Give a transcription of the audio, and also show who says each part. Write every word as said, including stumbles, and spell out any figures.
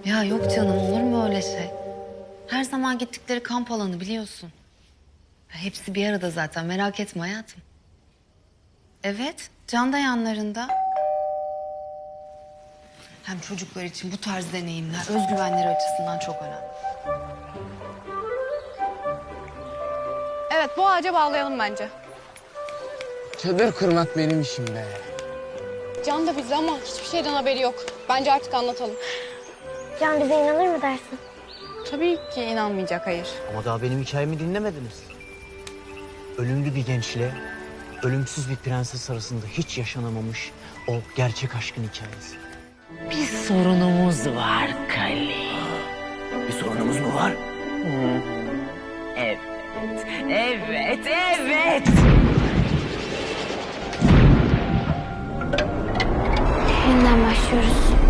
Speaker 1: Ya yok canım, olur mu öyle şey? Her zaman gittikleri kamp alanı biliyorsun. Ya hepsi bir arada zaten, merak etme hayatım. Evet, Can da yanlarında. Hem çocuklar için bu tarz deneyimler özgüvenleri açısından çok önemli.
Speaker 2: Evet, bu ağaca bağlayalım bence.
Speaker 3: Çadır kurmak benim işim be.
Speaker 2: Can da bizde ama hiçbir şeyden haberi yok. Bence artık anlatalım.
Speaker 4: Can bize inanır mı dersin?
Speaker 2: Tabii ki inanmayacak, hayır.
Speaker 5: Ama daha benim hikayemi dinlemediniz. Ölümlü bir gençle ölümsüz bir prenses arasında hiç yaşanamamış o gerçek aşkın hikayesi.
Speaker 6: Bir sorunumuz var Kali.
Speaker 5: Bir sorunumuz mu var?
Speaker 6: Evet, evet, evet.
Speaker 4: Yeniden başlıyoruz.